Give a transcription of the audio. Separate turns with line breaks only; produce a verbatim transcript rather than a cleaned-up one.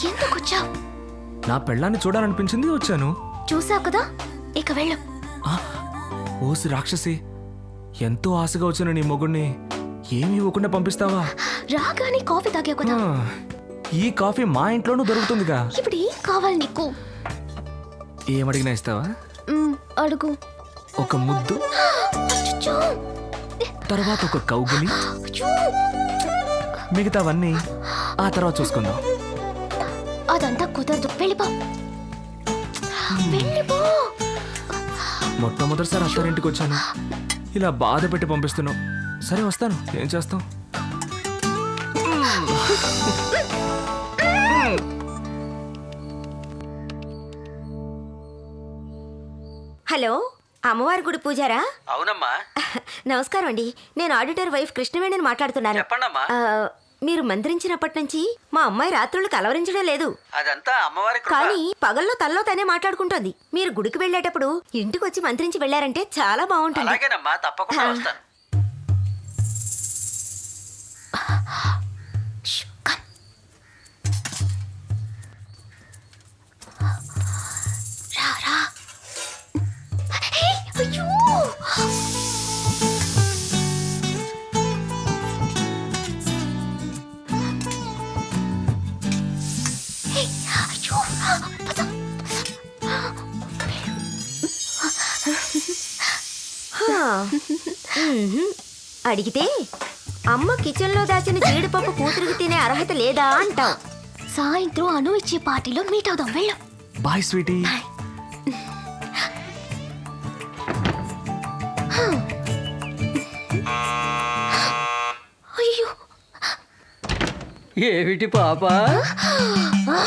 ఎందుకు వచ్చావు?
నా పెళ్ళాన్ని చూడాలనిపించింది, వచ్చాను.
చూసావు కదా, ఇక వెళ్ళు.
ఆ, ఓసి రాక్షసి, ఎంతో ఆశగా వచ్చిన నీ మొగుణ్ణి ఏమీ ఇవ్వకుండా పంపిస్తావా?
రాగానే కాఫీ తాగావు కదా.
ఆ, ఈ కాఫీ మా ఇంట్లోనూ దొరుకుతుందిగా.
ఇప్పుడు ఏం కావాలి నీకు?
ఏమడిగినా ఇస్తావా?
మ్, అడుగు.
ఒక ముద్దు,
అచ్చచ్చో!
తర్వాత ఒక కౌగిలి,
అచ్చో!
మిగతావన్నీ ఆ తర్వాత చూసుకుందాం.
అదంతా కుదరదు, వెళ్ళిపో. వెళ్ళిపో.
మొట్టమొదటిసారి అత్తారింటికి వచ్చాను, ఇలా బాధ పెట్టి పంపిస్తున్నావు. సరే వస్తాను, ఏం చేస్తాం.
హలో, అమ్మవారి గుడి పూజారా?
అవునమ్మా.
నమస్కారం అండి, నేను ఆడిటర్ వైఫ్ కృష్ణవేణిని మాట్లాడుతున్నాను.
చెప్పండమ్మా.
ఆ, మీరు మంత్రించినప్పటి నుంచి మా అమ్మాయి రాత్రులు కలవరించడం లేదు.
అదంతా అమ్మవారి కృప.
కానీ పగల్లో తల్లో తనే మాట్లాడుకుంటోంది. మీరు గుడికి వెళ్ళేటప్పుడు ఇంటికి వచ్చి మంత్రించి వెళ్ళారంటే చాలా బాగుంటుంది.
అలాగేనమ్మా, తప్పకుండా వస్తాను.
ష్, కమ్. రా, రా. హే, అయ్యో! హే, అయ్యో! పద.
హా. మ్మ్హ్మ్. అడిగితే అమ్మ కిచెన్లో దాచిన జీడిపప్పు కూతురికి తినే అర్హత లేదా అంటావు.
సాయంత్రం అను ఇచ్చే పార్టీలో మీట్ అవుదాం, వెళ్ళు.
Bye sweetie.
అయ్యో!
ఏమిటి పాప?